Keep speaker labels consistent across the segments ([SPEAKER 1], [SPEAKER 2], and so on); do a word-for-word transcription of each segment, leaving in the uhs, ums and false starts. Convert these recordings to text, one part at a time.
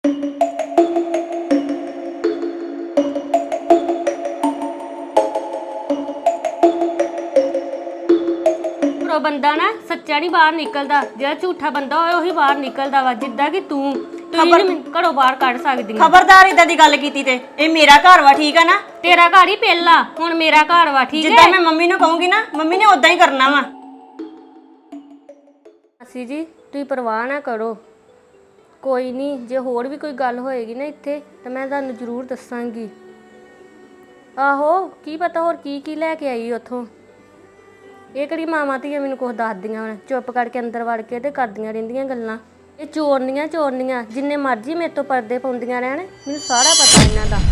[SPEAKER 1] बंदा ना सच्चा नहीं बाहर निकलता, जो झूठा बंदा होए वही बाहर निकलता वा। जिद्दां कि तू घरों बाहर कढ़ सकदी।
[SPEAKER 2] खबरदार इदां दी गल कीती ते ए मेरा घर वा, ठीक है ना?
[SPEAKER 1] तेरा घर ही पहला, हुण मेरा घर वा, ठीक है?
[SPEAKER 2] जिद्दां मैं मम्मी नूं कहूंगी ना, मम्मी ने उदां ही करना वा।
[SPEAKER 1] मासी जी तुसीं परवाह ना करो, कोई नहीं, जे होर भी कोई गल होएगी ना इत्थे तो मैं तुहानूं जरूर दस्सांगी। आहो की पता होर की की लैके आई उत्थों। ਇਹ ਕਿਹੜੀ ਮਾਵਾਂ ਧੀਆਂ ਮੈਨੂੰ ਕੁਛ ਦੱਸਦੀਆਂ ਹੁਣ, ਚੁੱਪ ਕਰਕੇ ਅੰਦਰ ਵੜ ਕੇ ਤੇ ਕਰਦੀਆਂ ਰਹਿੰਦੀਆਂ ਗੱਲਾਂ। ਇਹ ਚੋਰਨੀਆਂ ਚੋਰਨੀਆਂ ਜਿੰਨੇ ਮਰਜ਼ੀ ਮੇਰੇ ਤੋਂ ਪਰਦੇ ਪਾਉਂਦੀਆਂ ਰਹਿਣ, ਮੈਨੂੰ ਸਾਰਾ ਪਤਾ ਇਹਨਾਂ ਦਾ।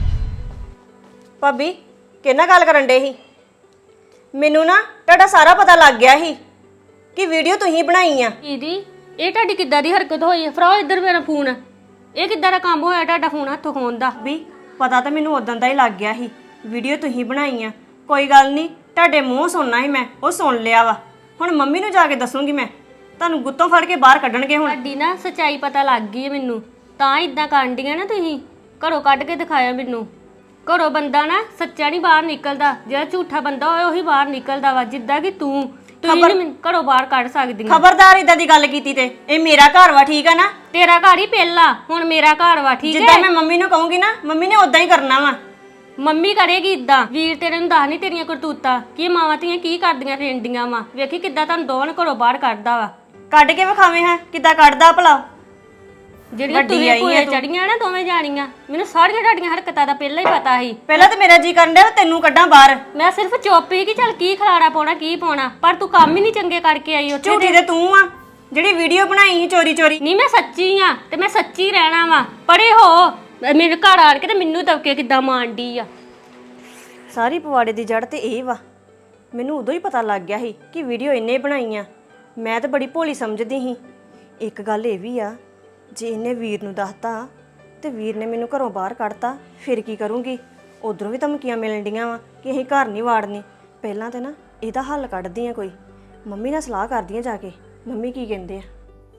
[SPEAKER 2] ਭਾਬੀ ਕਿਹਨਾਂ ਗੱਲ ਕਰਨ ਡੇ ਸੀ? ਮੈਨੂੰ ਨਾ ਤੁਹਾਡਾ ਸਾਰਾ ਪਤਾ ਲੱਗ ਗਿਆ ਸੀ ਕਿ ਵੀਡੀਓ ਤੁਸੀਂ ਬਣਾਈ ਆ।
[SPEAKER 1] ਦੀਦੀ ਇਹ ਤੁਹਾਡੀ ਕਿੱਦਾਂ ਦੀ ਹਰਕਤ ਹੋਈ ਹੈ? ਫਰਾਓ ਇੱਧਰ ਮੇਰਾ ਫੋਨ। ਇਹ ਕਿੱਦਾਂ ਦਾ ਕੰਮ ਹੋਇਆ ਤੁਹਾਡਾ ਫੋਨ ਹੱਥੋਂ ਖੋਣ ਦਾ?
[SPEAKER 2] ਵੀ ਪਤਾ ਤਾਂ ਮੈਨੂੰ ਉਦੋਂ ਦਾ ਹੀ ਲੱਗ ਗਿਆ ਸੀ, ਵੀਡੀਓ ਤੁਸੀਂ ਬਣਾਈ ਆ। ਕੋਈ ਗੱਲ ਨਹੀਂ, ਤੁਹਾਡੇ ਮੂੰਹ ਸੁਣਨਾ ਸੀ ਮੈਂ, ਉਹ ਸੁਣ ਲਿਆ ਵਾ। ਹੁਣ ਮੰਮੀ ਨੂੰ ਜਾ ਕੇ ਦੱਸੂਗੀ ਮੈਂ, ਤੁਹਾਨੂੰ ਗੁੱਤੋਂ ਫੜ ਕੇ ਬਾਹਰ ਕੱਢਣਗੇ। ਹੁਣ
[SPEAKER 1] ਤੁਹਾਡੀ ਨਾ ਸੱਚਾਈ ਪਤਾ ਲੱਗ ਗਈ ਹੈ ਮੈਨੂੰ, ਤਾਂ ਇਦਾਂ ਕਾਂਡੀਆਂ ਨਾ ਤੁਸੀਂ। ਘਰੋਂ ਕੱਢ ਕੇ ਦਿਖਾਇਆ ਮੈਨੂੰ। ਘਰੋਂ ਬੰਦਾ ਨਾ ਸੱਚਾ ਨਹੀਂ ਬਾਹਰ ਨਿਕਲਦਾ, ਜਿਹੜਾ ਝੂਠਾ ਬੰਦਾ ਹੋਏ ਉਹੀ ਬਾਹਰ ਨਿਕਲਦਾ ਵਾ। ਜਿੱਦਾਂ ਕਿ ਤੂੰ ਤੁਸੀਂ ਨਹੀਂ ਮੈਨੂੰ ਘਰੋਂ ਬਾਹਰ ਕੱਢ ਸਕਦੀ।
[SPEAKER 2] ਖਬਰਦਾਰ ਇਦਾਂ ਦੀ ਗੱਲ ਕੀਤੀ ਤੇ ਇਹ ਮੇਰਾ ਘਰ ਵਾ, ਠੀਕ ਹੈ ਨਾ?
[SPEAKER 1] ਤੇਰਾ ਘਰ ਹੀ ਪਹਿਲਾ, ਹੁਣ ਮੇਰਾ ਘਰ ਵਾ, ਠੀਕ ਹੈ?
[SPEAKER 2] ਜਿੱਦਾਂ ਮੈਂ ਮੰਮੀ ਨੂੰ ਕਹੂੰਗੀ ਨਾ, ਮੰਮੀ ਨੇ ਉਦਾਂ ਹੀ ਕਰਨਾ ਵਾ।
[SPEAKER 1] ਮੰਮੀ ਕਰੇਗੀ ਇਦਾਂ। ਵੀਰ ਤੇਰੇ ਨੂੰ ਦੱਸ ਨਹੀਂ ਤੇਰੀਆਂ ਕਰਤੂਤਾਂ ਕੀ ਮਾਵਾਂ ਧੀਆਂ ਕੀ ਕਰਦੀਆਂ ਫਿਰਦੀਆਂ ਵਾ। ਵੇਖੀ ਕਿੱਦਾਂ ਤੁਹਾਨੂੰ ਦੋਵਾਂ ਨੂੰ ਘਰੋਂ ਬਾਹਰ ਕੱਢਦਾ ਵਾ।
[SPEAKER 2] ਕੱਢ ਕੇ ਵਿਖਾਵੇਂ ਹਾਂ ਕਿੱਦਾਂ ਕੱਢਦਾ ਭਲਾ।
[SPEAKER 1] ਜਿਹੜੀਆਂ ਤੁਸੀਂ ਭੂਏ ਚੜੀਆਂ ਨਾ ਦੋਵੇਂ ਜਾਣੀਆਂ, ਮੈਨੂੰ ਸਾਰੀਆਂ ਤੁਹਾਡੀਆਂ ਹਰਕਤਾਂ ਦਾ ਪਹਿਲਾਂ ਹੀ ਪਤਾ ਸੀ।
[SPEAKER 2] ਪਹਿਲਾਂ ਤਾਂ ਮੇਰਾ ਜੀ ਕਰਨ ਡਿਆ ਤੈਨੂੰ ਕੱਢਾਂ ਬਾਹਰ।
[SPEAKER 1] ਮੈਂ ਸਿਰਫ ਚੁੱਪ ਹੀ ਕਿ ਚੱਲ ਕੀ ਖਲਾਰਾ ਪਾਉਣਾ ਕੀ ਪਾਉਣਾ, ਪਰ ਤੂੰ ਕੰਮ ਹੀ ਨਹੀਂ ਚੰਗੇ ਕਰਕੇ ਆਈ ਉੱਥੇ।
[SPEAKER 2] ਝੂਠੀ ਤੇ ਤੂੰ ਆ ਜਿਹੜੀ ਵੀਡੀਓ ਬਣਾਈ ਸੀ ਚੋਰੀ ਚੋਰੀ।
[SPEAKER 1] ਨਹੀਂ ਮੈਂ ਸੱਚੀ ਆ ਤੇ ਮੈਂ ਸੱਚੀ ਰਹਿਣਾ ਵਾ। ਪਰੇ ਹੋ ਮੇਰੇ ਘਰ ਆਣ ਕੇ ਤੇ ਮੈਨੂੰ ਦਬਕੇ ਕਿੱਦਾਂ ਮਾਰਦੀ ਆ।
[SPEAKER 2] ਸਾਰੀ ਪਵਾੜੇ ਦੀ ਜੜ ਤੇ ਇਹ ਵਾ। ਮੈਨੂੰ ਉਦੋਂ ਹੀ ਪਤਾ ਲੱਗ ਗਿਆ ਸੀ ਕਿ ਵੀਡੀਓ ਇੰਨੇ ਬਣਾਈਆਂ। ਮੈਂ ਤਾਂ ਬੜੀ ਭੋਲੀ ਸਮਝਦੀ ਸੀ। ਇੱਕ ਗੱਲ ਇਹ ਵੀ ਆ, ਜੇ ਇਹਨੇ ਵੀਰ ਨੂੰ ਦੱਸਤਾ ਤੇ ਵੀਰ ਨੇ ਮੈਨੂੰ ਘਰੋਂ ਬਾਹਰ ਕੱਢਤਾ, ਫਿਰ ਕੀ ਕਰੂੰਗੀ? ਉਧਰੋਂ ਵੀ ਧਮਕੀਆਂ ਮਿਲਣ ਡੀਆਂ ਵਾ ਕਿ ਅਸੀਂ ਘਰ ਨਹੀਂ ਵਾੜਨੀ। ਪਹਿਲਾਂ ਤੇ ਨਾ ਇਹਦਾ ਹੱਲ ਕੱਢਦੀ ਆ ਕੋਈ, ਮੰਮੀ ਨਾਲ ਸਲਾਹ ਕਰਦੀ ਆ ਜਾ ਕੇ, ਮੰਮੀ ਕੀ ਕਹਿੰਦੇ ਆ।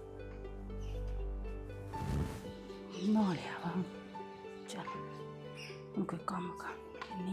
[SPEAKER 3] ਨਾ ਲਿਆ ਵਾ, ਚੱਲ ਹੁਣ ਕੋਈ ਕੰਮ ਕਰ ਨਹੀਂ।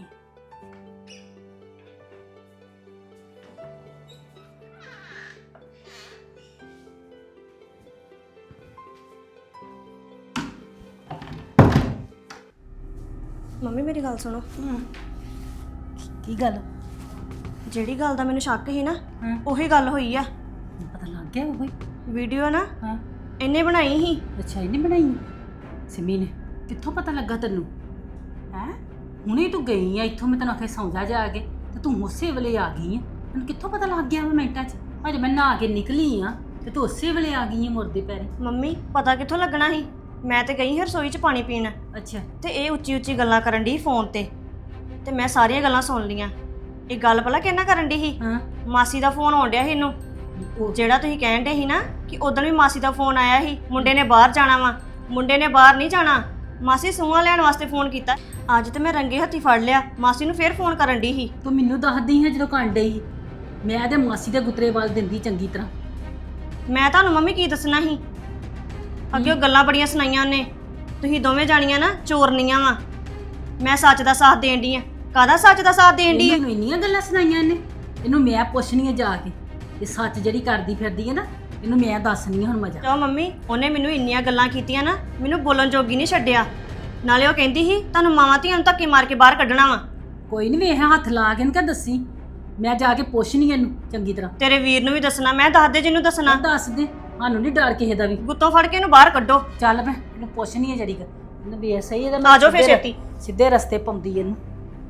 [SPEAKER 2] ਮੰਮੀ ਮੇਰੀ ਗੱਲ ਸੁਣੋ।
[SPEAKER 3] ਕੀ ਗੱਲ?
[SPEAKER 2] ਜਿਹੜੀ ਗੱਲ ਦਾ ਮੈਨੂੰ ਸ਼ੱਕ ਸੀ ਨਾ, ਉਹੀ ਗੱਲ ਹੋਈ ਆ।
[SPEAKER 3] ਪਤਾ ਲੱਗ ਗਿਆ ਉਹ
[SPEAKER 2] ਵੀਡੀਓ ਨਾ
[SPEAKER 3] ਹਾਂ
[SPEAKER 2] ਇਹਨੇ ਬਣਾਈ ਸੀ।
[SPEAKER 3] ਅੱਛਾ ਇਹਨੇ ਬਣਾਈ ਸਿਮੀ ਨੇ? ਕਿੱਥੋਂ ਪਤਾ ਲੱਗਾ ਤੈਨੂੰ? ਹੈ ਹੁਣੇ ਤੂੰ ਗਈ ਆ ਇੱਥੋਂ, ਮੈਂ ਤੈਨੂੰ ਆਖਿਆ ਸੌਂ ਜਾ ਜਾ ਕੇ, ਤੇ ਤੂੰ ਉਸੇ ਵੇਲੇ ਆ ਗਈ ਆ। ਤੈਨੂੰ ਕਿੱਥੋਂ ਪਤਾ ਲੱਗ ਗਿਆ ਮਿੰਟਾਂ 'ਚ? ਅਜੇ ਮੈਂ ਨਹਾ ਕੇ ਨਿਕਲੀ ਆ ਤੇ ਤੂੰ ਉਸੇ ਵੇਲੇ ਆ ਗਈ ਆ ਮੁਰਦੇ ਪੈਰੇ।
[SPEAKER 2] ਮੰਮੀ ਪਤਾ ਕਿੱਥੋਂ ਲੱਗਣਾ ਸੀ? ਮੈਂ ਤੇ ਗਈ ਹਾਂ ਰਸੋਈ 'ਚ ਪਾਣੀ ਪੀਣ।
[SPEAKER 3] ਅੱਛਾ
[SPEAKER 2] ਤੇ ਇਹ ਉੱਚੀ ਉੱਚੀ ਗੱਲਾਂ ਕਰਨ ਦੀ ਫੋਨ ਤੇ ਤੇ ਮੈਂ ਸਾਰੀਆਂ ਗੱਲਾਂ ਸੁਣ ਲੀਆਂ। ਇਹ ਗੱਲ ਭਲਾ ਕਿਹਨਾਂ ਕਰਨ ਦੀ ਸੀ?
[SPEAKER 3] ਹਾਂ
[SPEAKER 2] ਮਾਸੀ ਦਾ ਫੋਨ ਆਉਣ ਡਿਆ ਸੀ ਇਹਨੂੰ। ਜਿਹੜਾ ਤੁਸੀਂ ਕਹਿਣ ਡੇ ਸੀ ਨਾ ਕਿ ਉਦੋਂ ਵੀ ਮਾਸੀ ਦਾ ਫੋਨ ਆਇਆ ਸੀ, ਮੁੰਡੇ ਨੇ ਬਾਹਰ ਜਾਣਾ ਵਾ। ਮੁੰਡੇ ਨੇ ਬਾਹਰ ਨਹੀਂ ਜਾਣਾ, ਮਾਸੀ ਸੂਹਾਂ ਲੈਣ ਵਾਸਤੇ ਫੋਨ ਕੀਤਾ। ਅੱਜ ਤੇ ਮੈਂ ਰੰਗੇ ਹੱਥੀ ਫੜ ਲਿਆ, ਮਾਸੀ ਨੂੰ ਫੇਰ ਫੋਨ ਕਰਨ ਦੀ ਸੀ।
[SPEAKER 3] ਤੂੰ ਮੈਨੂੰ ਦੱਸਦੀ ਹੈ ਜਦੋਂ ਕੰਨ ਡਈ, ਮੈਂ ਤੇ ਮਾਸੀ ਦੇ ਗੁੱਤਰੇ ਵੱਲ ਦਿੰਦੀ ਚੰਗੀ ਤਰ੍ਹਾਂ।
[SPEAKER 2] ਮੈਂ ਤੁਹਾਨੂੰ ਮੰਮੀ ਕੀ ਦੱਸਣਾ ਸੀ? ਅੱਗੇ ਉਹ ਗੱਲਾਂ ਬੜੀਆਂ ਸੁਣਾਈਆਂ ਉਹਨੇ। ਤੁਸੀਂ ਦੋਵੇਂ ਜਾਣੀਆਂ ਨਾ ਚੋਰਨੀਆਂ ਵਾ। ਮੈਂ ਸੱਚ ਦਾ ਸਾਥ ਦੇਣ ਦੀ ਆ। ਕਾਹਦਾ ਸੱਚ ਦਾ ਸਾਥ ਦੇਣ ਦੀ ਆ?
[SPEAKER 3] ਇਹਨੂੰ ਇੰਨੀਆਂ ਗੱਲਾਂ ਸੁਣਾਈਆਂ ਇਹਨੇ। ਇਹਨੂੰ ਮੈਂ ਪੁੱਛਣੀ ਆ ਜਾ ਕੇ, ਇਹ ਸੱਚ ਜਿਹੜੀ ਕਰਦੀ ਫਿਰਦੀ ਹੈ ਨਾ, ਇਹਨੂੰ ਮੈਂ ਦੱਸਣੀ ਆ ਹੁਣ ਮਜ਼ਾ।
[SPEAKER 2] ਕਿਉਂ ਮੰਮੀ? ਉਹਨੇ ਮੈਨੂੰ ਇੰਨੀਆਂ ਗੱਲਾਂ ਕੀਤੀਆਂ ਨਾ, ਮੈਨੂੰ ਬੋਲਣ ਜੋਗੀ ਨਹੀਂ ਛੱਡਿਆ। ਨਾਲੇ ਉਹ ਕਹਿੰਦੀ ਸੀ ਤੁਹਾਨੂੰ ਮਾਵਾਂ ਧੀਆਂ ਨੂੰ ਧੱਕੇ ਮਾਰ ਕੇ ਬਾਹਰ ਕੱਢਣਾ ਵਾ।
[SPEAKER 3] ਕੋਈ ਨਹੀਂ ਵੇਖ ਹੱਥ ਲਾ ਕੇ ਇਹਨੂੰ ਕਿਆ ਦੱਸੀ, ਮੈਂ ਜਾ ਕੇ ਪੁੱਛਣੀ ਇਹਨੂੰ ਚੰਗੀ ਤਰ੍ਹਾਂ।
[SPEAKER 2] ਤੇਰੇ ਵੀਰ ਨੂੰ ਵੀ ਦੱਸਣਾ, ਮੈਂ ਦੱਸ ਦੇ ਜਿਹਨੂੰ ਦੱਸਣਾ।
[SPEAKER 3] ਦੱਸ ਦੇ, ਸਾਨੂੰ ਨਹੀਂ ਡਰ ਕਿਸੇ ਦਾ ਵੀ।
[SPEAKER 2] ਗੁੱਤੋਂ ਫੜ ਕੇ ਇਹਨੂੰ ਬਾਹਰ ਕੱਢੋ।
[SPEAKER 3] ਚੱਲ ਮੈਂ ਇਹਨੂੰ ਪੁੱਛਣੀ ਆ ਜਰੀ ਕਰ, ਇਹਨੂੰ ਵੇਖ ਸਹੀ ਇਹਦਾ।
[SPEAKER 2] ਆ ਜਾਓ ਫੇਰ ਛੇਤੀ।
[SPEAKER 3] ਸਿੱਧੇ ਰਸਤੇ ਪਾਉਂਦੀ ਇਹਨੂੰ।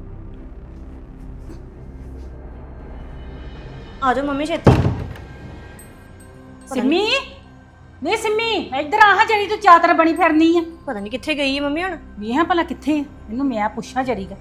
[SPEAKER 2] ਆ ਜਾਓ ਮੰਮੀ ਛੇਤੀ।
[SPEAKER 3] ਸਿੰਮੀ ਨਹੀਂ ਸਿੰਮੀ ਇੱਧਰ ਆ, ਜਿਹੜੀ ਤੂੰ ਚਾਦਰ ਬਣੀ ਫਿਰਨੀ ਆ।
[SPEAKER 2] ਪਤਾ ਨਹੀਂ ਕਿੱਥੇ ਗਈ ਹੈ ਮੰਮੀ ਹੁਣ।
[SPEAKER 3] ਵੇਹਾਂ ਭਲਾ ਕਿੱਥੇ? ਇਹਨੂੰ ਮੈਂ ਪੁੱਛਾਂ ਜਰੀ ਕਰ।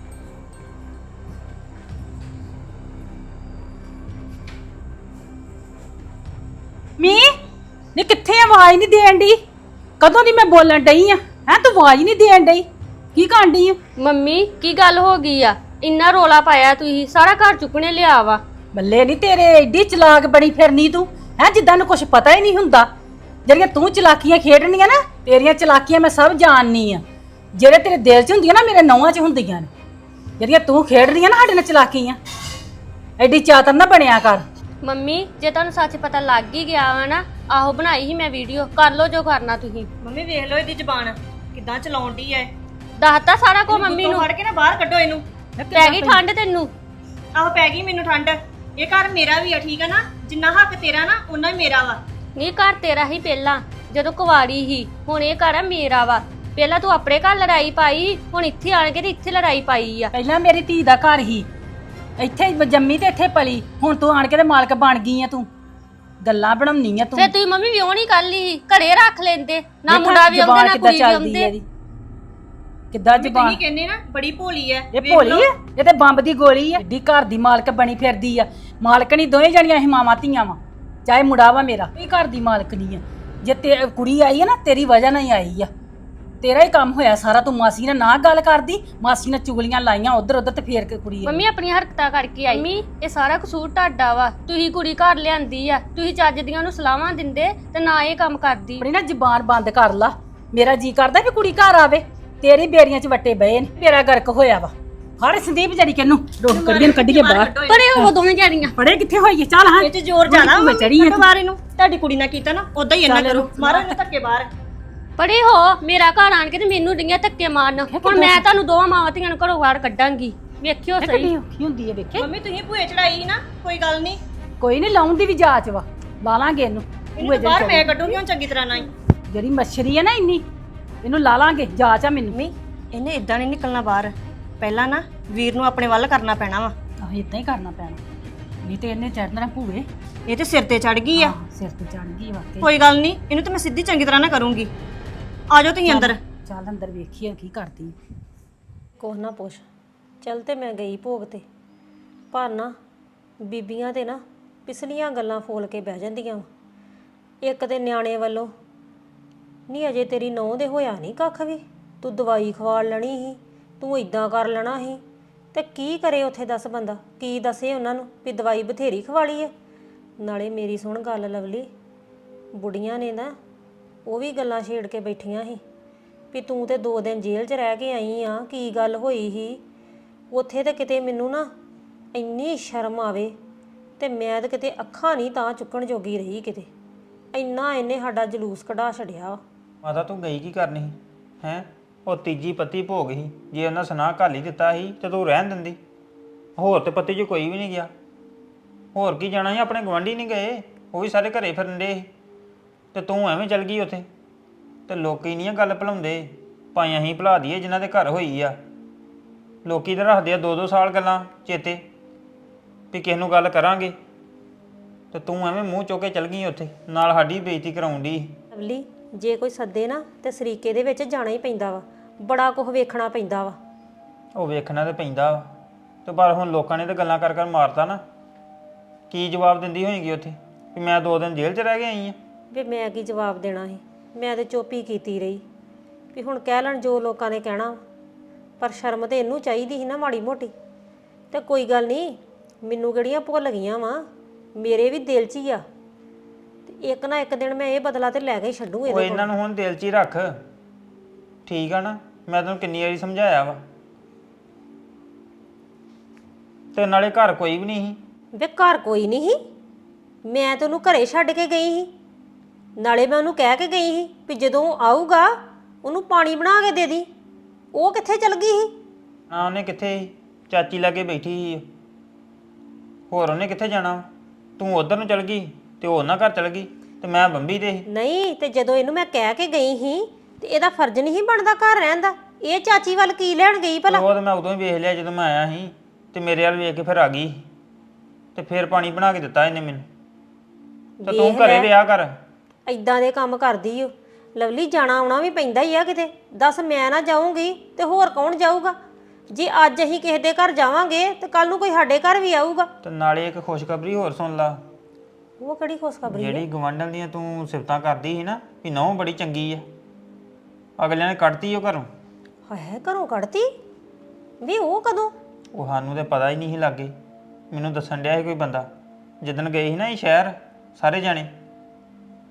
[SPEAKER 3] ਮੀ ਨੇ ਕਿੱਥੇ ਆਵਾਜ਼ ਨਹੀਂ ਦੇਣ ਡਈ? ਕਦੋਂ ਦੀ ਮੈਂ ਬੋਲਣ ਡਈ ਆ, ਹੈ ਤੂੰ ਆਵਾਜ਼ ਨਹੀਂ ਦੇਣ ਡਈ? ਕੀ ਕਰਨ ਡਈ ਆ?
[SPEAKER 1] ਮੰਮੀ ਕੀ ਗੱਲ ਹੋ ਗਈ ਆ? ਇੰਨਾ ਰੋਲਾ ਪਾਇਆ ਤੁਸੀਂ, ਸਾਰਾ ਘਰ ਚੁੱਕਣੇ ਲਿਆ ਵਾ।
[SPEAKER 3] ਬੱਲੇ ਨਹੀਂ ਤੇਰੇ, ਐਡੀ ਚਲਾਕ ਬਣੀ ਫਿਰਨੀ ਤੂੰ, ਹੈ ਜਿੱਦਾਂ ਨੂੰ ਕੁਝ ਪਤਾ ਹੀ ਨਹੀਂ ਹੁੰਦਾ। ਜਿਹੜੀਆਂ ਤੂੰ ਚਲਾਕੀਆਂ ਖੇਡਣੀਆਂ ਨਾ, ਤੇਰੀਆਂ ਚਲਾਕੀਆਂ ਮੈਂ ਸਭ ਜਾਣਨੀ ਆ। ਜਿਹੜੇ ਤੇਰੇ ਦਿਲ 'ਚ ਹੁੰਦੀਆਂ ਨਾ, ਮੇਰੇ ਨੌਵਾਂ 'ਚ ਹੁੰਦੀਆਂ ਨੇ। ਜਿਹੜੀਆਂ ਤੂੰ ਖੇਡ ਰਹੀ ਆ ਨਾ ਸਾਡੇ ਨਾਲ ਚਲਾਕੀਆਂ, ਐਡੀ ਚਾਤਰ ਨਾ ਬਣਿਆ ਕਰ।
[SPEAKER 1] ਮੰਮੀ ਜੇ ਤੁਹਾਨੂੰ ਸੱਚ ਪਤਾ ਲੱਗ ਹੀ ਗਿਆ ਵਾ ਨਾ, ਆਹੋ ਬਣਾਈ ਸੀ ਮੈਂ ਵੀਡੀਓ, ਕਰ ਲਓ ਜੋ ਕਰਨਾ ਤੁਸੀਂ।
[SPEAKER 2] ਮੰਮੀ ਵੇਖ ਲਓ ਇਹਦੀ ਜ਼ਬਾਨ ਕਿੱਦਾਂ ਚਲਾਉਂਦੀ ਐ।
[SPEAKER 1] ਦੱਸਤਾ ਸਾਰਾ ਕੁਝ ਮੰਮੀ ਨੂੰ।
[SPEAKER 2] ਫੜ ਕੇ ਨਾ ਬਾਹਰ ਕੱਢੋ ਇਹਨੂੰ।
[SPEAKER 1] ਪੈ ਗਈ ਠੰਡ ਤੈਨੂੰ?
[SPEAKER 2] ਆਹੋ ਪੈ ਗਈ ਮੈਨੂੰ ਠੰਡ। ਇਹ ਘਰ ਮੇਰਾ ਵੀ ਆ, ਠੀਕ ਆ ਨਾ? ਜਿੰਨਾ ਹੱਕ ਤੇਰਾ ਨਾ ਉਹਨਾਂ ਹੀ ਮੇਰਾ ਵਾ।
[SPEAKER 1] ਨਹੀਂ ਘਰ ਤੇਰਾ ਹੀ ਪਹਿਲਾਂ ਜਦੋਂ ਕੁਵਾਰੀ ਸੀ, ਹੁਣ ਇਹ ਘਰ ਆ ਮੇਰਾ ਵਾ। ਪਹਿਲਾਂ ਤੂੰ ਆਪਣੇ ਘਰ ਲੜਾਈ ਪਾਈ, ਹੁਣ ਇੱਥੇ ਆਣ ਕੇ ਤੇ ਇੱਥੇ ਲੜਾਈ ਪਾਈ ਆ।
[SPEAKER 3] ਪਹਿਲਾਂ ਮੇਰੀ ਧੀ ਦਾ ਘਰ ਹੀ, ਇੱਥੇ ਜੰਮੀ ਤੇ ਇੱਥੇ ਪਲੀ, ਹੁਣ ਤੂੰ ਆਣ ਕੇ ਤੇ ਮਾਲਕ ਬਣ ਗਈ ਆ। ਤੂੰ ਗੱਲਾਂ ਬਣਾਉਣੀ ਆ ਤੂੰ।
[SPEAKER 1] ਫੇਰ ਤੁਸੀਂ ਮੰਮੀ ਵਿਆਹ ਨਹੀਂ ਕਰ ਲਈ, ਘਰੇ ਰੱਖ ਲੈਂਦੇ ਨਾ, ਮੁੰਡਾ ਵੀ ਆਉਂਦੇ ਨਾ ਕੁੜੀ ਵੀ ਆਉਂਦੇ।
[SPEAKER 3] ਕਿੱਦਾਂ ਜ਼ਬਾਨ
[SPEAKER 2] ਤੁਸੀਂ ਕਹਿੰਦੇ ਨਾ ਬੜੀ ਭੋਲੀ ਐ।
[SPEAKER 3] ਇਹ ਭੋਲੀ ਐ? ਇਹ ਤੇ ਬੰਬ ਦੀ ਗੋਲੀ ਐ। ਏਡੀ ਘਰ ਦੀ ਮਾਲਕ ਬਣੀ ਫਿਰਦੀ ਆ। ਮਾਲਕਣੀ ਦੋਵੇਂ ਜਣੀਆਂ ਅਸੀਂ ਮਾਵਾਂ ਧੀਆਂ ਵਾ, ਚਾਹੇ ਮੁੰਡਾ ਵਾ ਮੇਰਾ। ਇਹ ਘਰ ਦੀ ਮਾਲਕਣੀ ਆ। ਜੇ ਤੇ ਕੁੜੀ ਆਈ ਆ ਨਾ, ਤੇਰੀ ਵਜ੍ਹਾ ਨਾਲ ਹੀ ਆਈ ਆ। ਤੇਰਾ ਹੀ ਕੰਮ ਹੋਇਆ ਸਾਰਾ। ਤੂੰ ਮਾਸੀ ਨਾਲ ਨਾ ਗੱਲ ਕਰਦੀ, ਮਾਸੀ ਨੇ ਚੁਗਲੀਆਂ ਲਾਈਆਂ ਉਧਰ ਉਧਰ ਤੇ ਫੇਰ ਕੇ ਕੁੜੀ ਆਈ।
[SPEAKER 1] ਮੰਮੀ ਆਪਣੀ ਹਰਕਤਾਂ ਕਰਕੇ ਆਈ। ਮੰਮੀ ਇਹ ਸਾਰਾ ਕਸੂਰ ਤੁਹਾਡਾ ਵਾ, ਤੁਸੀਂ ਕੁੜੀ ਘਰ ਲਿਆਂਦੀ ਆ, ਤੁਸੀਂ ਚੱਜ ਦੀਆਂ ਨੂੰ ਸਲਾਹਾਂ ਦਿੰਦੇ ਤੇ ਨਾ ਇਹ ਕੰਮ ਕਰਦੀ।
[SPEAKER 3] ਆਪਣੀ ਨਾ ਜ਼ਬਾਨ ਬੰਦ ਕਰ ਲਾ। ਮੇਰਾ ਜੀ ਕਰਦਾ ਵੀ ਕੁੜੀ ਘਰ ਆਵੇ, ਤੇਰੀ ਬੇਰੀਆਂ 'ਚ ਵੱਟੇ ਬਏ ਨੇ। ਮੇਰਾ ਗਰਕ ਹੋਇਆ ਵਾ। ਹਰ ਸੰਦੀਪ ਜੜੀ ਕਿਨੂੰ ਰੋਕ ਕੱਢੀਆਂ ਕੱਢੀਏ ਬਾਹਰ।
[SPEAKER 1] ਪਰੇ ਉਹ ਦੋਵੇਂ ਜਣੀਆਂ
[SPEAKER 3] ਪੜੇ ਕਿੱਥੇ ਹੋਈਏ? ਚੱਲ ਹਾਂ,
[SPEAKER 2] ਇਹ ਚ ਜ਼ੋਰ ਜ਼ਿਆਦਾ
[SPEAKER 3] ਮੈਂ ਚੜੀ ਆ।
[SPEAKER 2] ਬਾਹਰ ਇਹਨੂੰ ਤੁਹਾਡੀ ਕੁੜੀ ਨਾਲ ਕੀਤਾ ਨਾ, ਉਦਾਂ ਹੀ ਇਹਨਾਂ ਕਰੋ। ਮਾਰੋ ਇਹਨੂੰ ਧੱਕੇ ਬਾਹਰ।
[SPEAKER 1] ਪਰੇ ਹੋ, ਮੇਰਾ ਘਰ ਆਣ ਕੇ ਤੇ ਮੈਨੂੰ ਡਿੰਗੀਆਂ ਧੱਕੇ ਮਾਰਨ। ਹੁਣ ਮੈਂ ਤੁਹਾਨੂੰ ਦੋਵਾਂ ਮਾਵਾਂ ਧੀਆਂ ਨੂੰ ਘਰੋਂ ਬਾਹਰ ਕੱਢਾਂਗੀ, ਵੇਖਿਓ ਸਹੀ।
[SPEAKER 3] ਕਿੰਨੀ ਔਖੀ ਹੁੰਦੀ ਹੈ ਵੇਖੇ।
[SPEAKER 2] ਮੰਮੀ ਤੁਸੀਂ ਭੂਏ ਚੜਾਈ ਨਾ, ਕੋਈ ਗੱਲ ਨਹੀਂ।
[SPEAKER 3] ਕੋਈ ਨਹੀਂ, ਲਾਉਣ ਦੀ ਵੀ ਜਾਚ ਵਾ, ਲਾ ਲਾਂਗੇ ਇਹਨੂੰ।
[SPEAKER 2] ਇਹਨੂੰ ਬਾਹਰ ਮੈਂ ਕੱਢੂੰਗੀ ਹੁਣ ਚੰਗੀ ਤਰ੍ਹਾਂ ਨਾਲ ਹੀ।
[SPEAKER 3] ਜਿਹੜੀ ਮੱਛਰੀ ਹੈ ਨਾ ਇੰਨੀ, ਇਹਨੂੰ ਲਾ ਲਾਂਗੇ, ਜਾਚ ਆ ਮੈਨੂੰ।
[SPEAKER 2] ਮੰਮੀ ਇਹਨੇ ਇਦਾਂ ਨਹੀਂ ਨਿਕਲਣਾ ਬਾਹਰ। ਪਹਿਲਾਂ ਨਾ ਵੀਰ ਨੂੰ ਆਪਣੇ ਵੱਲ ਕਰਨਾ ਪੈਣਾ ਵਾ।
[SPEAKER 3] ਆਹ ਇਦਾਂ ਹੀ ਕਰਨਾ ਪੈਣਾ, ਨਹੀਂ ਤੇ ਇਹਨੇ ਚੜਨਾ ਭੂਏ।
[SPEAKER 2] ਇਹ ਤੇ ਸਿਰ ਤੇ ਚੜ ਗਈ ਆ।
[SPEAKER 3] ਸਿਰ ਤੇ ਚੜ ਗਈ ਵਾਕਈ।
[SPEAKER 2] ਕੋਈ ਗੱਲ ਨਹੀਂ, ਇਹਨੂੰ ਤੇ ਮੈਂ ਸਿੱਧੀ ਚੰਗੀ ਤਰ੍ਹਾਂ ਨਾ ਕਰੂੰਗੀ। ਆ ਜਾਓ ਤੁਸੀਂ ਅੰਦਰ।
[SPEAKER 3] ਚੱਲ ਅੰਦਰ ਵੇਖੀਏ ਕੀ ਕਰਦੀ।
[SPEAKER 4] ਕੁਛ ਨਾ ਪੁੱਛ। ਚੱਲ ਤੇ ਮੈਂ ਗਈ ਭੋਗ ਤੇ, ਪਰ ਨਾ ਬੀਬੀਆਂ ਤੇ ਨਾ ਪਿਛਲੀਆਂ ਗੱਲਾਂ ਫੋਲ ਕੇ ਬਹਿ ਜਾਂਦੀਆਂ ਵਾ। ਇੱਕ ਤੇ ਨਿਆਣੇ ਵੱਲੋਂ ਨਹੀਂ, ਅਜੇ ਤੇਰੀ ਨਹੁੰ ਦੇ ਹੋਇਆ ਨਹੀਂ ਕੱਖ ਵੀ, ਤੂੰ ਦਵਾਈ ਖਵਾ ਲੈਣੀ ਸੀ, ਤੂੰ ਇਦਾਂ ਕਰ ਲੈਣਾ ਸੀ। ਤੇ ਕੀ ਕਰੇ ਉੱਥੇ ਦੱਸ ਬੰਦਾ, ਕੀ ਦੱਸੇ ਉਹਨਾਂ ਨੂੰ ਵੀ ਦਵਾਈ ਬਥੇਰੀ ਖਵਾ ਲਈ ਹੈ। ਨਾਲੇ ਮੇਰੀ ਸੁਣ ਗੱਲ ਲਵਲੀ, ਬੁੜੀਆਂ ਨੇ ਨਾ ਉਹ ਵੀ ਗੱਲਾਂ ਛੇੜ ਕੇ ਬੈਠੀਆਂ ਸੀ ਵੀ ਤੂੰ ਤੇ ਦੋ ਦਿਨ ਜੇਲ੍ਹ 'ਚ ਰਹਿ ਕੇ ਆਈ ਆ, ਕੀ ਗੱਲ ਹੋਈ ਸੀ ਉੱਥੇ। ਤੇ ਕਿਤੇ ਮੈਨੂੰ ਨਾ ਇੰਨੀ ਸ਼ਰਮ ਆਵੇ, ਤੇ ਮੈਂ ਤਾਂ ਕਿਤੇ ਅੱਖਾਂ ਨਹੀਂ ਤਾਂ ਚੁੱਕਣ ਜੋਗੀ ਰਹੀ। ਕਿਤੇ ਇੰਨਾ ਇਹਨੇ ਸਾਡਾ ਜਲੂਸ ਕਢਾ ਛੜਿਆ।
[SPEAKER 5] ਮਾਤਾ ਤੂੰ ਗਈ ਕੀ ਕਰਨੀ ਸੀ ਹੈਂ? ਉਹ ਤੀਜੀ ਪੱਤੀ ਭੋਗ ਸੀ, ਜੇ ਉਹਨਾਂ ਸੁਨਾਹ ਘੱਲ ਹੀ ਦਿੱਤਾ ਸੀ ਤੇ ਤੂੰ ਰਹਿਣ ਦਿੰਦੀ। ਹੋਰ ਤੇ ਪੱਤੀ 'ਚ ਕੋਈ ਵੀ ਨਹੀਂ ਗਿਆ। ਹੋਰ ਕੀ ਜਾਣਾ ਸੀ? ਆਪਣੇ ਗਵਾਂਢੀ ਨਹੀਂ ਗਏ, ਉਹ ਵੀ ਸਾਰੇ ਘਰੇ ਫਿਰਨ ਡੇ ਸੀ, ਤੇ ਤੂੰ ਐਵੇਂ ਚੱਲ ਗਈ ਉੱਥੇ। ਤੇ ਲੋਕੀ ਨਹੀਂ ਆ ਗੱਲ ਭੁਲਾਉਂਦੇ, ਭਾਵੇਂ ਅਸੀਂ ਭੁਲਾ ਦਈਏ ਜਿਨ੍ਹਾਂ ਦੇ ਘਰ ਹੋਈ ਆ। ਲੋਕੀ ਤਾਂ ਰੱਖਦੇ ਆ ਦੋ ਦੋ ਸਾਲ ਗੱਲਾਂ ਚੇਤੇ ਵੀ ਕਿਸੇ ਨੂੰ ਗੱਲ ਕਰਾਂਗੇ, ਤੇ ਤੂੰ ਐਵੇਂ ਮੂੰਹ ਚੁੱਕ ਕੇ ਚੱਲ ਗਈ ਉੱਥੇ, ਨਾਲ ਸਾਡੀ ਬੇਇੱਜ਼ਤੀ ਕਰਾਉਣ ਦੀ।
[SPEAKER 4] ਲਵਲੀ ਜੇ ਕੋਈ ਸੱਦੇ ਨਾ ਤੇ ਸਰੀਕੇ ਦੇ ਵਿੱਚ ਜਾਣਾ ਹੀ ਪੈਂਦਾ ਵਾ, ਬੜਾ ਕੁਝ ਵੇਖਣਾ ਪੈਂਦਾ ਵਾ।
[SPEAKER 5] ਉਹ ਵੇਖਣਾ ਤੇ ਪੈਂਦਾ ਵਾ, ਤੇ ਪਰ ਹੁਣ ਲੋਕਾਂ ਨੇ ਤਾਂ ਗੱਲਾਂ ਕਰ ਕਰ ਮਾਰਤਾ ਨਾ। ਕੀ ਜਵਾਬ ਦਿੰਦੀ ਹੋਏਗੀ ਉੱਥੇ ਵੀ ਮੈਂ ਦੋ ਦਿਨ ਜੇਲ੍ਹ 'ਚ ਰਹਿ ਕੇ ਆਈ ਆ?
[SPEAKER 4] ਵੀ ਮੈਂ ਕੀ ਜਵਾਬ ਦੇਣਾ ਸੀ, ਮੈਂ ਤੇ ਚੁੱਪ ਹੀ ਕੀਤੀ ਰਹੀ ਵੀ ਹੁਣ ਕਹਿ ਲੈਣ ਜੋ ਲੋਕਾਂ ਨੇ ਕਹਿਣਾ। ਪਰ ਸ਼ਰਮ ਤੇ ਇਹਨੂੰ ਚਾਹੀਦੀ ਸੀ ਨਾ ਮਾੜੀ ਮੋਟੀ। ਤੇ ਕੋਈ ਗੱਲ ਨਹੀਂ, ਮੈਨੂੰ ਕਿਹੜੀਆਂ ਭੁੱਲ ਗਈਆਂ ਵਾ, ਮੇਰੇ ਵੀ ਦਿਲ 'ਚ ਹੀ ਆ। ਤੇ ਇੱਕ ਨਾ ਇੱਕ ਦਿਨ ਮੈਂ ਇਹ ਬਦਲਾ ਤੇ ਲੈ ਕੇ ਛੱਡੂ
[SPEAKER 5] ਉਹ
[SPEAKER 4] ਇਹਦੇ ਕੋਲ।
[SPEAKER 5] ਇਹਨਾਂ ਨੂੰ ਹੁਣ ਦਿਲ 'ਚ ਹੀ ਰੱਖ, ਠੀਕ ਆ ਨਾ? ਮੈਂ ਤੈਨੂੰ ਕਿੰਨੀ ਵਾਰੀ ਸਮਝਾਇਆ ਵਾ। ਤੇ ਨਾਲੇ ਘਰ ਕੋਈ ਵੀ ਨਹੀਂ ਸੀ।
[SPEAKER 4] ਵੇ ਘਰ ਕੋਈ ਨਹੀਂ ਸੀ, ਮੈਂ ਤੈਨੂੰ ਘਰੇ ਛੱਡ ਕੇ ਗਈ ਸੀ। ਨਾਲੇ ਮੈਂ ਉਹਨੂੰ ਕਹਿ ਕੇ ਗਈ ਸੀ ਵੀ ਜਦੋਂ ਉਹ ਆਊਗਾ ਉਹਨੂੰ ਪਾਣੀ ਬਣਾ ਕੇ ਦੇ ਦੀ। ਉਹ ਕਿੱਥੇ ਚਲ ਗਈ ਸੀ?
[SPEAKER 5] ਨਾ ਉਹਨੇ ਕਿੱਥੇ ਸੀ, ਚਾਚੀ ਲਾਗੇ ਬੈਠੀ ਸੀ। ਹੋਰ ਉਹਨੇ ਕਿੱਥੇ ਜਾਣਾ? ਤੂੰ ਉਧਰ ਨੂੰ ਚਲ ਗਈ ਤੇ ਉਹ ਉਹਨਾਂ ਘਰ ਚਲ ਗਈ, ਤੇ ਮੈਂ ਬੰਬੀ ਤੇ ਸੀ।
[SPEAKER 4] ਨਹੀਂ ਤੇ ਜਦੋਂ ਇਹਨੂੰ ਮੈਂ ਕਹਿ ਕੇ ਗਈ ਸੀ ਤੇ ਇਹਦਾ ਫਰਜ਼ ਨਹੀਂ ਬਣਦਾ ਘਰ ਰਹਿਣ ਦਾ। ਇਹ ਚਾਚੀ ਵੱਲ ਕੀ ਲੈਣ ਗਈ ਭਲਾ?
[SPEAKER 5] ਉਹ ਤਾਂ ਮੈਂ ਉਦੋਂ ਹੀ ਵੇਖ ਲਿਆ ਜਦੋਂ ਮੈਂ ਆਇਆ ਸੀ, ਤੇ ਮੇਰੇ ਵੱਲ ਵੇਖ ਕੇ ਫਿਰ ਆ ਗਈ, ਤੇ ਫਿਰ ਪਾਣੀ ਬਣਾ ਕੇ ਦਿੱਤਾ ਇਹਨੇ ਮੈਨੂੰ। ਤੇ ਤੂੰ ਘਰੇ ਰਿਹਾ ਕਰ।
[SPEAKER 4] ਇਦਾਂ ਦੇ ਕੰਮ ਕਰਦੀ ਓ ਲਵਲੀ। ਜਾਣਾ ਆਉਣਾ ਵੀ ਪੈਂਦਾ ਹੀ ਆ ਕਿਤੇ। ਦੱਸ ਮੈਂ ਨਾ ਜਾਊਂਗੀ ਤੇ ਹੋਰ ਕੌਣ ਜਾਊਗਾ? ਜੇ ਅੱਜ ਅਸੀਂ ਕਿਸੇ ਦੇ ਘਰ ਜਾਵਾਂਗੇ ਤੇ ਕੱਲ ਨੂੰ ਕੋਈ ਸਾਡੇ ਘਰ ਵੀ ਆਊਗਾ।
[SPEAKER 5] ਤੇ ਨਾਲੇ ਇੱਕ ਖੁਸ਼ਖਬਰੀ ਹੋਰ ਸੁਣ ਲਾ।
[SPEAKER 4] ਉਹ ਕਿਹੜੀ ਖੁਸ਼ਖਬਰੀ?
[SPEAKER 5] ਜਿਹੜੀ ਗਵਾਂਢਣ ਦੀਆਂ ਤੂੰ ਸਿਫਤਾਂ ਕਰਦੀ ਸੀ ਨਾ ਵੀ ਨਹੁੰ ਬੜੀ ਚੰਗੀ ਆ, ਅਗਲਿਆਂ ਨੇ ਕੱਢਤੀ ਉਹ ਘਰੋਂ।
[SPEAKER 4] ਹਾਏ ਘਰੋਂ ਕੱਢਤੀ? ਵੀ ਉਹ ਕਦੋਂ?
[SPEAKER 5] ਉਹ ਸਾਨੂੰ ਤੇ ਪਤਾ ਹੀ ਨਹੀਂ ਸੀ ਲੱਗੇ, ਮੈਨੂੰ ਦੱਸਣ ਡਿਆ ਸੀ ਕੋਈ ਬੰਦਾ ਜਿੱਦਣ ਗਏ ਸੀ ਨਾ ਇਹ ਸ਼ਹਿਰ ਸਾਰੇ ਜਾਣੇ।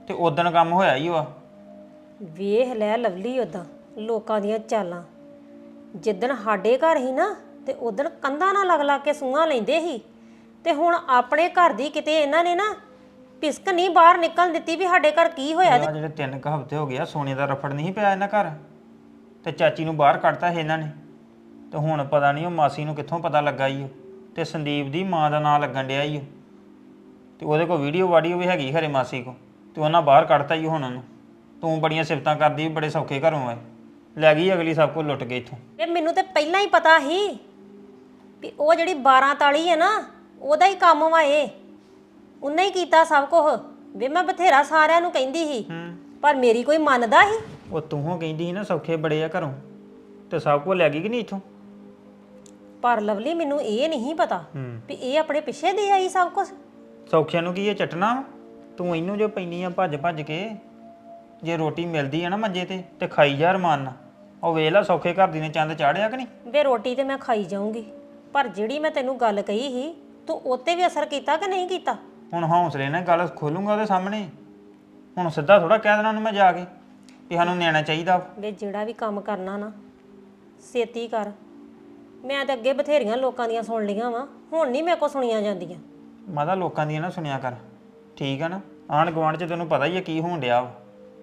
[SPEAKER 5] ਤੇ ਉਦਣ ਕੰਮ ਹੋਇਆ ਹੀ ਉਹ ਆ।
[SPEAKER 4] ਵੇਖ ਲੈ ਲਵਲੀ ਉਦਾਂ ਲੋਕਾਂ ਦੀਆਂ ਚਾਲਾਂ। ਜਿੱਦਣ ਸਾਡੇ ਘਰ ਹੀ ਨਾ ਤੇ ਉਦਣ ਕੰਧਾਂ ਨਾਲ ਲੱਗ ਲੱਗ ਕੇ ਸੂਹਾਂ ਲੈਂਦੇ ਸੀ, ਤੇ ਹੁਣ ਆਪਣੇ ਘਰ ਦੀ ਕਿਤੇ ਇਹਨਾਂ ਨੇ ਨਾ ਪਿਸਕ ਨਹੀਂ ਬਾਹਰ ਨਿਕਲਣ ਦਿੱਤੀ ਵੀ ਸਾਡੇ ਘਰ ਕੀ ਹੋਇਆ।
[SPEAKER 5] ਆ ਜਿਹੜੇ ਤਿੰਨ ਕੁ ਹਫ਼ਤੇ ਹੋ ਗਏ ਆ ਸੋਨੇ ਦਾ ਰਫੜ ਨਹੀਂ ਪਿਆ ਇਹਨਾਂ ਘਰ, ਤੇ ਚਾਚੀ ਨੂੰ ਬਾਹਰ ਕੱਢਤਾ ਸੀ ਇਹਨਾਂ ਨੇ। ਤੇ ਹੁਣ ਪਤਾ ਨਹੀਂ ਉਹ ਮਾਸੀ ਨੂੰ ਕਿੱਥੋਂ ਪਤਾ ਲੱਗਾ ਈ ਉਹ, ਤੇ ਸੰਦੀਪ ਦੀ ਮਾਂ ਦਾ ਨਾਂ ਲੱਗਣ ਡਿਆ ਈ ਉਹ, ਤੇ ਉਹਦੇ ਕੋਲ ਵੀਡੀਓ ਵਾਡੀਓ ਵੀ ਹੈਗੀ ਖਰੇ ਮਾਸੀ ਕੋ, ਤੇ ਉਹਨਾਂ ਬਾਹਰ ਕੱਢਤਾ ਈ ਹੁਣ ਉਹਨੂੰ। ਤੂੰ ਬੜੀਆਂ ਸਿਫਤਾਂ ਕਰਦੀ ਬੜੇ ਸੌਖੇ ਘਰੋਂ ਆਏ, ਲੈ ਗਈ ਅਗਲੀ ਸਭ ਕੁਝ ਲੁੱਟ ਗਈ ਇੱਥੋਂ।
[SPEAKER 4] ਇਹ ਮੈਨੂੰ ਤੇ ਪਹਿਲਾਂ ਹੀ ਪਤਾ ਸੀ ਵੀ ਉਹ ਜਿਹੜੀ ਬਾਰਾਂ ਤਾਲੀ ਹੈ ਨਾ ਉਹਦਾ ਹੀ ਕੰਮ ਵਾ ਇਹ, ਉਹਨੇ ਹੀ ਕੀਤਾ ਸਭ ਕੁਝ। ਵੇ ਮੈਂ ਬਥੇਰਾ ਸਾਰਿਆਂ ਨੂੰ ਕਹਿੰਦੀ ਸੀ ਪਰ ਮੇਰੀ ਕੋਈ ਮੰਨਦਾ ਸੀ।
[SPEAKER 5] ਉਹ ਤੂੰ ਕਹਿੰਦੀ ਸੀ ਨਾ ਸੌਖੇ ਬੜੇ ਆ ਘਰੋਂ, ਤੇ ਸਭ ਕੁਝ ਲੈ ਗਈ ਕਿ ਨਹੀਂ ਇੱਥੋਂ।
[SPEAKER 4] ਪਰ ਲਵਲੀ ਮੈਨੂੰ ਇਹ ਨਹੀਂ ਪਤਾ ਵੀ ਇਹ ਆਪਣੇ ਪਿੱਛੇ ਦੇ ਆਈ ਸਭ ਕੁਝ।
[SPEAKER 5] ਸੌਖਿਆਂ ਨੂੰ ਕੀ ਇਹ ਚਟਣਾ, ਤੂੰ ਇਹਨੂੰ ਜੋ ਪੈਂਦੀ ਆ ਭੱਜ ਭੱਜ ਕੇ। ਜੇ ਰੋਟੀ ਮਿਲਦੀ ਆ ਨਾ ਮੰਜੇ ਤੇ ਤੇ ਖਾਈ ਜਾ ਰਮਾਨ ਨਾਲ। ਉਹ ਵੇਖ ਲੈ ਸੌਖੇ ਘਰ ਦੀ ਨੇ ਚੰਦ ਚਾੜਿਆ ਕਿ ਨਹੀਂ।
[SPEAKER 4] ਵੇ ਰੋਟੀ ਤੇ ਮੈਂ ਖਾਈ ਜਾਊਂਗੀ, ਪਰ ਜਿਹੜੀ ਮੈਂ ਤੈਨੂੰ ਗੱਲ ਕਹੀ ਸੀ ਤੂੰ ਉੱਤੇ ਵੀ ਅਸਰ ਕੀਤਾ ਕਿ ਨਹੀਂ ਕੀਤਾ।
[SPEAKER 5] ਹੁਣ ਹੌਸਲੇ ਨਾਲ ਗੱਲ ਖੋਲੂੰਗਾ ਉਹਦੇ ਸਾਹਮਣੇ। ਹੁਣ ਸਿੱਧਾ ਥੋੜਾ ਕਹਿ ਦੇਣਾ ਉਹਨੂੰ ਮੈਂ ਜਾ ਕੇ ਵੀ ਸਾਨੂੰ ਨਿਆਣਾ ਚਾਹੀਦਾ।
[SPEAKER 4] ਵੇ ਜਿਹੜਾ ਵੀ ਕੰਮ ਕਰਨਾ ਨਾ ਛੇਤੀ ਕਰ। ਮੈਂ ਤਾਂ ਅੱਗੇ ਬਥੇਰੀਆਂ ਲੋਕਾਂ ਦੀਆਂ ਸੁਣ ਲਈਆਂ ਵਾ, ਹੁਣ ਨਹੀਂ ਮੇਰੇ ਕੋਲ ਸੁਣੀਆਂ ਜਾਂਦੀਆਂ।
[SPEAKER 5] ਮਾਤਾ ਲੋਕਾਂ ਦੀਆਂ ਨਾ ਸੁਣਿਆ ਕਰ, ਠੀਕ ਆ ਨਾ। ਆਂਢ ਗੁਆਂਢ 'ਚ ਤੈਨੂੰ ਪਤਾ ਹੀ ਆ ਕੀ ਹੋਣ ਡਿਆ ਵਾ।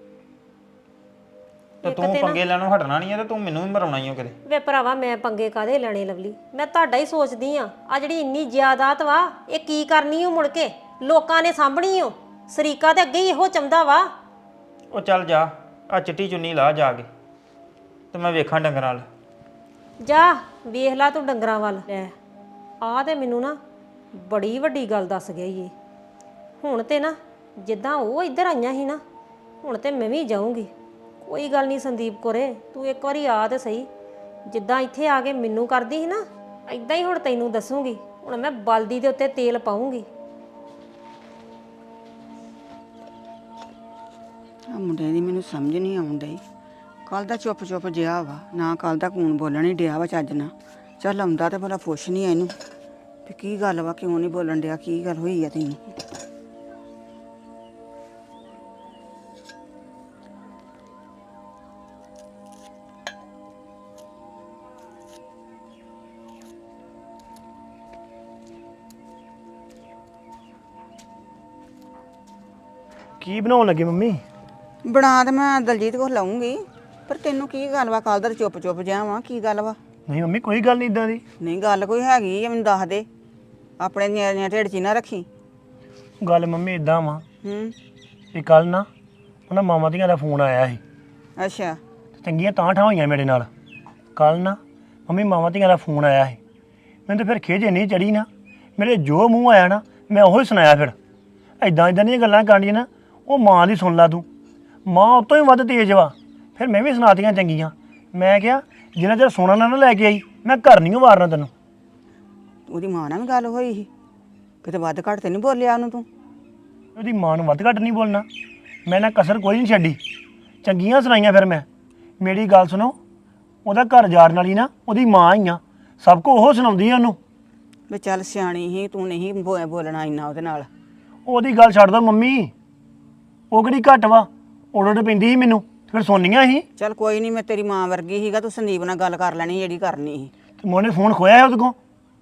[SPEAKER 5] ਤੇ ਤੂੰ ਪੰਗੇ ਲੈਣੋਂ ਹਟਣਾ ਨਹੀਂ ਆ, ਤੇ ਤੂੰ ਮੈਨੂੰ ਵੀ ਮਰਾਉਣਾ ਹੀ ਆ ਕਿਤੇ।
[SPEAKER 4] ਵੇ ਭਰਾਵਾ ਮੈਂ ਪੰਗੇ ਕਾਦੇ ਲੈਣੇ ਲਵਲੀ, ਮੈਂ ਤੁਹਾਡਾ ਹੀ ਸੋਚਦੀ ਆ। ਆ ਜਿਹੜੀ ਇੰਨੀ ਜਾਇਦਾਦ ਵਾ ਇਹ ਕੀ ਕਰਨੀ ਓ ਮੁੜ ਕੇ, ਲੋਕਾਂ ਨੇ ਸਾਂਭਣੀ ਓ। ਸਰੀਕਾ ਤੇ ਅੱਗੇ ਹੀ ਇਹੋ ਚੰਦਾ ਵਾ।
[SPEAKER 5] ਉਹ ਚੱਲ ਜਾ, ਆ ਚਿੱਟੀ ਚੁੰਨੀ ਲਾ ਜਾ ਕੇ, ਤੇ ਮੈਂ ਵੇਖਾਂ ਡੰਗਰਾਂ ਨਾਲ।
[SPEAKER 4] ਜਾ ਵੇਖ ਲਾ ਤੂੰ ਡੰਗਰਾਂ ਵੱਲ। ਲੈ ਆ ਤੇ ਮੈਨੂੰ ਨਾ ਬੜੀ ਵੱਡੀ ਗੱਲ ਦੱਸ ਗਿਆ ਈ ਇਹ। ਹੁਣ ਤੇ ਨਾ ਜਿੱਦਾਂ ਉਹ ਇੱਧਰ ਆਈਆਂ ਸੀ ਨਾ, ਹੁਣ ਤੇ ਮੈਂ ਵੀ ਜਾਊਂਗੀ। ਕੋਈ ਗੱਲ ਨਹੀਂ ਸੰਦੀਪ ਕੋਰੇ, ਤੂੰ ਇੱਕ ਵਾਰੀ ਆ ਤੇ ਸਹੀ। ਜਿੱਦਾਂ ਇੱਥੇ ਆ ਕੇ ਮੈਨੂੰ ਕਰਦੀ ਸੀ ਨਾ, ਇਦਾਂ ਹੀ ਹੁਣ ਤੈਨੂੰ ਦੱਸੂਗੀ। ਹੁਣ ਮੈਂ ਬਲਦੀ ਦੇ ਉੱਤੇ ਤੇਲ ਪਾਉਂਗੀ।
[SPEAKER 6] ਆ ਮੁੰਡੇ ਦੀ ਮੈਨੂੰ ਸਮਝ ਨਹੀਂ ਆਉਣ ਡਈ। ਕੱਲ ਦਾ ਚੁੱਪ ਚੁੱਪ ਜਿਹਾ ਵਾ, ਨਾ ਕੱਲ ਦਾ ਕੂਣ ਬੋਲਣ ਹੀ ਡਿਆ ਵਾ ਚੱਜ ਨਾਲ। ਚੱਲ ਆਉਂਦਾ ਤੇ ਭਲਾ ਪੁੱਛ ਨਹੀਂ ਇਹਨੂੰ ਤੇ ਕੀ ਗੱਲ ਵਾ, ਕਿਉਂ ਨਹੀਂ ਬੋਲਣ ਡਿਆ, ਕੀ ਗੱਲ ਹੋਈ ਆ ਤੈਨੂੰ।
[SPEAKER 7] ਕੀ ਬਣਾਉਣ ਲੱਗੇ ਮੰਮੀ?
[SPEAKER 6] ਬਣਾ ਤੇ ਮੈਂ ਦਲਜੀਤ ਕੋਲ ਲਾਉਂਗੀ, ਪਰ ਤੈਨੂੰ ਕੀ ਗੱਲ ਵਾ, ਕੱਲ ਦਾ ਚੁੱਪ ਚੁੱਪ ਜਿਹਾ ਵਾ, ਕੀ ਗੱਲ ਵਾ।
[SPEAKER 7] ਨਹੀਂ ਮੰਮੀ ਕੋਈ ਗੱਲ ਨਹੀਂ ਇਦਾਂ ਦੀ।
[SPEAKER 6] ਨਹੀਂ ਗੱਲ ਕੋਈ ਹੈਗੀ ਆ, ਮੈਨੂੰ ਦੱਸ ਦੇ। ਆਪਣੇ ਨਿਆਣਿਆਂ ਢਿੱਡ 'ਚ ਨਾ ਰੱਖੀ।
[SPEAKER 7] ਗੱਲ ਮੰਮੀ ਇਦਾਂ ਵਾ
[SPEAKER 6] ਹੂੰ
[SPEAKER 7] ਵੀ ਕੱਲ ਨਾ ਉਹਨਾਂ ਮਾਮਾ ਦੀਆਂ ਦਾ ਫੋਨ ਆਇਆ ਸੀ,
[SPEAKER 6] ਅੱਛਾ
[SPEAKER 7] ਤੇ ਚੰਗੀਆਂ ਤਾਂ ਠਾਂ ਹੋਈਆਂ ਮੇਰੇ ਨਾਲ। ਕੱਲ ਨਾ ਮੰਮੀ ਮਾਮਾ ਦੀਆਂ ਦਾ ਫੋਨ ਆਇਆ ਸੀ, ਮੈਨੂੰ ਤਾਂ ਫਿਰ ਖਿਝ ਨਹੀਂ ਚੜੀ ਨਾ। ਮੇਰੇ ਜੋ ਮੂੰਹ ਆਇਆ ਨਾ ਮੈਂ ਉਹੀ ਸੁਣਾਇਆ। ਫਿਰ ਇਦਾਂ ਇਦਾਂ ਦੀਆਂ ਗੱਲਾਂ ਕਰਨੀਆਂ ਨਾ, ਉਹ ਮਾਂ ਦੀ ਸੁਣ ਲਾ ਤੂੰ। ਮਾਂ ਉਹ ਤੋਂ ਹੀ ਵੱਧ ਤੇਜ਼ ਵਾ। ਫਿਰ ਮੈਂ ਵੀ ਸੁਣਾਤੀਆਂ ਚੰਗੀਆਂ। ਮੈਂ ਕਿਹਾ ਜਿੰਨਾ ਚਿਰ ਸੋਨਾ ਨਾ ਨਾ ਲੈ ਕੇ ਆਈ ਮੈਂ ਘਰ ਨਹੀਂ ਵਾਰਨਾ ਤੈਨੂੰ।
[SPEAKER 6] ਉਹਦੀ ਮਾਂ ਨਾਲ ਵੀ ਗੱਲ ਹੋਈ ਸੀ, ਕਿਤੇ ਵੱਧ ਘੱਟ ਤੇ ਨਹੀਂ ਬੋਲਿਆ ਉਹਨੂੰ ਤੂੰ।
[SPEAKER 7] ਉਹਦੀ ਮਾਂ ਨੂੰ ਵੱਧ ਘੱਟ ਨਹੀਂ ਬੋਲਣਾ, ਮੈਂ ਨਾ ਕਸਰ ਕੋਈ ਨਹੀਂ ਛੱਡੀ, ਚੰਗੀਆਂ ਸੁਣਾਈਆਂ। ਫਿਰ ਮੈਂ ਮੇਰੀ ਗੱਲ ਸੁਣੋ, ਉਹਦਾ ਘਰ ਜਾਣ ਵਾਲੀ ਨਾ ਉਹਦੀ ਮਾਂ ਹੀ ਆ, ਸਭ ਕੁਝ ਉਹ ਸੁਣਾਉਂਦੀ ਆ ਉਹਨੂੰ।
[SPEAKER 6] ਵੀ ਚੱਲ ਸਿਆਣੀ ਸੀ ਤੂੰ, ਨਹੀਂ ਬੋ- ਬੋਲਣਾ ਇੰਨਾ ਉਹਦੇ ਨਾਲ।
[SPEAKER 7] ਉਹਦੀ ਗੱਲ ਛੱਡ ਦੋ ਮੰਮੀ, ਉਹ ਕਿਹੜੀ ਘੱਟ ਵਾ, ਉਡੜ ਪੈਂਦੀ ਸੀ ਮੈਨੂੰ, ਫਿਰ ਸੋਨੀਆਂ ਸੀ।
[SPEAKER 6] ਚੱਲ ਕੋਈ ਨਹੀਂ, ਮੈਂ ਤੇਰੀ ਮਾਂ ਵਰਗੀ ਸੀਗਾ, ਤੂੰ ਸੰਦੀਪ ਨਾਲ ਗੱਲ ਕਰ ਲੈਣੀ ਜਿਹੜੀ ਕਰਨੀ ਸੀ।
[SPEAKER 7] ਤੇ ਮੋਨੇ ਫੋਨ ਖੋਇਆ ਹੈ ਉਹਦੇ ਕੋਲ,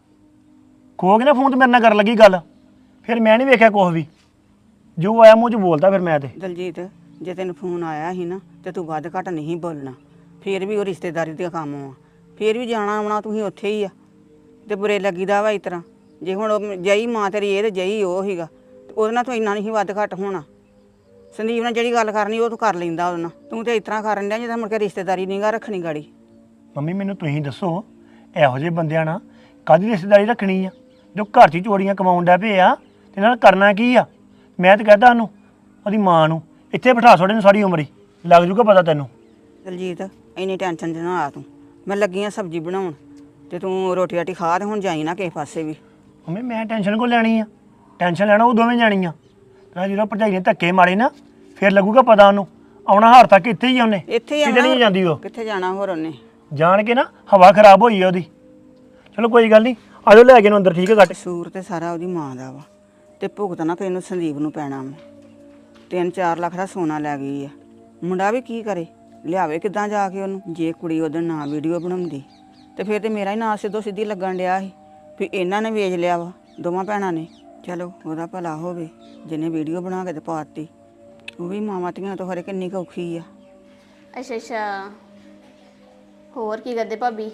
[SPEAKER 7] ਖੋ ਕੇ ਨਾ ਫੋਨ ਤੇ ਮੇਰੇ ਨਾਲ ਕਰਨ ਲੱਗੀ ਗੱਲ। ਫਿਰ ਮੈਂ ਨਹੀਂ ਵੇਖਿਆ ਕੁਛ ਵੀ, ਜੋ ਆਇਆ ਮੂੰਹ 'ਚ ਬੋਲਦਾ ਫਿਰ ਮੈਂ ਤੇ।
[SPEAKER 6] ਦਲਜੀਤ ਜੇ ਤੈਨੂੰ ਫੋਨ ਆਇਆ ਸੀ ਨਾ ਤੇ ਤੂੰ ਵੱਧ ਘੱਟ ਨਹੀਂ ਬੋਲਣਾ। ਫਿਰ ਵੀ ਉਹ ਰਿਸ਼ਤੇਦਾਰੀ ਦਾ ਕੰਮ ਆ, ਫਿਰ ਵੀ ਜਾਣਾ ਆਉਣਾ ਤੁਸੀਂ ਉੱਥੇ ਹੀ ਆ, ਤੇ ਬੁਰੇ ਲੱਗੀਦਾ ਵਾ ਇਸ ਤਰ੍ਹਾਂ। ਜੇ ਹੁਣ ਉਹ ਜਈ ਮਾਂ ਤੇਰੀ ਇਹ ਤੇ ਜਈ ਉਹ ਸੀਗਾ, ਤੇ ਉਹਦੇ ਨਾਲ ਤੂੰ ਇੰਨਾ ਨਹੀਂ ਵੱਧ ਘੱਟ ਹੋਣਾ। ਸੰਦੀਪ ਨਾਲ ਜਿਹੜੀ ਗੱਲ ਕਰਨੀ ਉਹ ਤੂੰ ਕਰ ਲੈਂਦਾ ਉਹਦੇ ਨਾਲ, ਤੂੰ ਤੇ ਇਸ ਤਰ੍ਹਾਂ ਕਰਨ ਡਿਆ ਜਿੱਦਾਂ ਮੁੜ ਕੇ ਰਿਸ਼ਤੇਦਾਰੀ ਨਹੀਂ ਗਾ ਰੱਖਣੀ ਗਾੜੀ।
[SPEAKER 7] ਮੰਮੀ ਮੈਨੂੰ ਤੁਸੀਂ ਦੱਸੋ, ਇਹੋ ਜਿਹੇ ਬੰਦਿਆਂ ਨਾਲ ਕਾਹਦੀ ਰਿਸ਼ਤੇਦਾਰੀ ਰੱਖਣੀ ਆ, ਜੋ ਘਰ 'ਚ ਹੀ ਚੋਰੀਆਂ ਕਮਾਉਣ ਡਿਆ ਪਏ ਆ, ਤੇ ਨਾਲ ਕਰਨਾ ਕੀ ਆ। ਮੈਂ ਤਾਂ ਕਹਿੰਦਾ ਉਹਨੂੰ, ਉਹਦੀ ਮਾਂ ਨੂੰ ਇੱਥੇ ਬਿਠਾ ਛੋੜੇ ਨੂੰ ਸਾਰੀ ਉਮਰ ਹੀ, ਲੱਗ ਜੂਗਾ ਪਤਾ ਤੈਨੂੰ।
[SPEAKER 6] ਦਲਜੀਤ ਇੰਨੀ ਟੈਨਸ਼ਨ 'ਚ ਨਾ ਆ ਤੂੰ, ਮੈਂ ਲੱਗੀ ਆ ਸਬਜ਼ੀ ਬਣਾਉਣ, ਤੇ ਤੂੰ ਰੋਟੀ ਰਾਟੀ ਖਾ ਤੇ ਹੁਣ ਜਾਈ ਨਾ ਕਿਸੇ ਪਾਸੇ ਵੀ।
[SPEAKER 7] ਮੰਮੀ ਮੈਂ ਟੈਨਸ਼ਨ ਕੋ ਲੈਣੀ ਆ, ਟੈਨਸ਼ਨ ਲੈਣਾ ਉਹ ਦੋਵੇਂ ਜਾਣੀਆਂ। ਨਾ ਜਦੋਂ ਭਰਜਾਈ ਨੇ ਧੱਕੇ ਮਾਰੇ ਨਾ ਫਿਰ ਲੱਗੂਗਾ ਪਤਾ ਉਹਨੂੰ। ਆਉਣਾ ਹਾਰ ਤੱਕ ਇੱਥੇ ਹੀ ਆ ਉਹਨੇ,
[SPEAKER 6] ਇੱਥੇ ਹੀ
[SPEAKER 7] ਕਿਤੇ ਨਹੀਂ ਜਾਂਦੀ ਉਹ।
[SPEAKER 6] ਕਿੱਥੇ ਜਾਣਾ ਹੋਰ ਉਹਨੇ,
[SPEAKER 7] ਜਾਣ ਕੇ ਨਾ ਹਵਾ ਖਰਾਬ ਹੋਈ ਆ ਉਹਦੀ। ਚਲੋ ਕੋਈ ਗੱਲ ਨਹੀਂ, ਆਜੋ ਲੈ ਕੇ ਨੂੰ ਅੰਦਰ, ਠੀਕ ਹੈ। ਘੱਟ
[SPEAKER 6] ਕਸੂਰ ਤੇ ਸਾਰਾ ਉਹਦੀ ਮਾਂ ਦਾ ਵਾ, ਤੇ ਭੁਗਤਣਾ ਤੈਨੂੰ ਸੰਦੀਪ ਨੂੰ ਪੈਣਾ ਵਾ। ਤਿੰਨ ਚਾਰ ਲੱਖ ਦਾ ਸੋਨਾ ਲੈ ਗਈ ਆ। ਮੁੰਡਾ ਵੀ ਕੀ ਕਰੇ, ਲਿਆਵੇ ਕਿੱਦਾਂ ਜਾ ਕੇ ਉਹਨੂੰ। ਜੇ ਕੁੜੀ ਉਹਦੇ ਨਾਂ ਵੀਡੀਓ ਬਣਾਉਂਦੀ ਤੇ ਫਿਰ ਤੇ ਮੇਰਾ ਹੀ ਨਾਂ ਸਿੱਧੋ ਸਿੱਧੀ ਲੱਗਣ ਡਿਆ ਸੀ ਵੀ ਇਹਨਾਂ ਨੇ ਵੇਚ ਲਿਆ ਵਾ, ਦੋਵਾਂ ਭੈਣਾਂ ਨੇ। ਚਲੋ ਉਹਦਾ ਭਲਾ ਹੋਵੇ ਜਿਹਨੇ ਵੀਡੀਓ ਬਣਾ ਕੇ ਤੇ ਪਾਤੀ। ਉਹ ਵੀ ਮਾਵਾਂ ਧੀਆਂ ਤੋਂ ਹਰੇ ਕਿੰਨੀ ਕੁ ਔਖੀ ਆ।
[SPEAKER 8] ਅੱਛਾ ਅੱਛਾ, ਹੋਰ ਕੀ ਕਰਦੇ ਭਾਬੀ?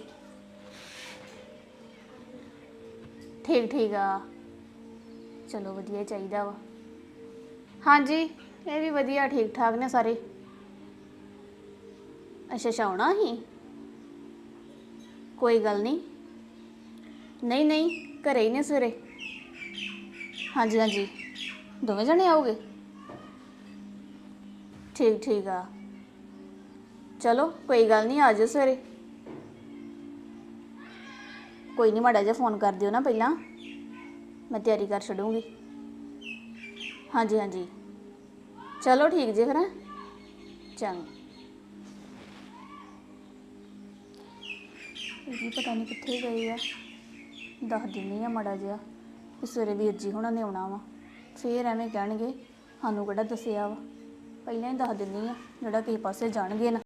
[SPEAKER 8] ਠੀਕ ਠੀਕ ਆ, ਚਲੋ ਵਧੀਆ ਹੀ ਚਾਹੀਦਾ ਵਾ। ਹਾਂਜੀ ਇਹ ਵੀ ਵਧੀਆ, ਠੀਕ ਠਾਕ ਨੇ ਸਾਰੇ। ਅੱਛਾ ਅੱਛਾ, ਆਉਣਾ ਹੀ? ਕੋਈ ਗੱਲ ਨਹੀਂ, ਨਹੀਂ ਨਹੀਂ ਘਰੇ ਹੀ ਨੇ ਸਵੇਰੇ। ਹਾਂਜੀ ਹਾਂਜੀ, ਦੋਵੇਂ ਜਣੇ ਆਓਗੇ? ਠੀਕ ਠੀਕ ਆ, ਚਲੋ ਕੋਈ ਗੱਲ ਨਹੀਂ, ਆ ਜਾਓ ਸਵੇਰੇ। ਕੋਈ ਨਹੀਂ, ਮਾੜਾ ਜਿਹਾ ਫੋਨ ਕਰ ਦਿਓ ਨਾ ਪਹਿਲਾਂ, ਮੈਂ ਤਿਆਰੀ ਕਰ ਛੱਡੂੰਗੀ। ਹਾਂਜੀ ਹਾਂਜੀ, ਚਲੋ ਠੀਕ ਜੇ ਫਿਰ। ਚੰਗਾ। ਇਹ ਵੀ ਪਤਾ ਨਹੀਂ ਕਿੱਥੇ ਗਏ ਆ, ਦੱਸ ਦਿੰਦੀ ਆ ਮਾੜਾ ਜਿਹਾ ਕਿ ਸਵੇਰੇ ਵੀਰ ਜੀ ਹੁਣਾਂ ਨੇ ਆਉਣਾ ਵਾ। ਫੇਰ ਐਵੇਂ ਕਹਿਣਗੇ ਸਾਨੂੰ ਕਿਹੜਾ ਦੱਸਿਆ ਵਾ। ਪਹਿਲਾਂ ਹੀ ਦੱਸ ਦਿੰਦੀ ਆ, ਜਿਹੜਾ ਕਿਸੇ ਪਾਸੇ ਜਾਣਗੇ ਨਾ।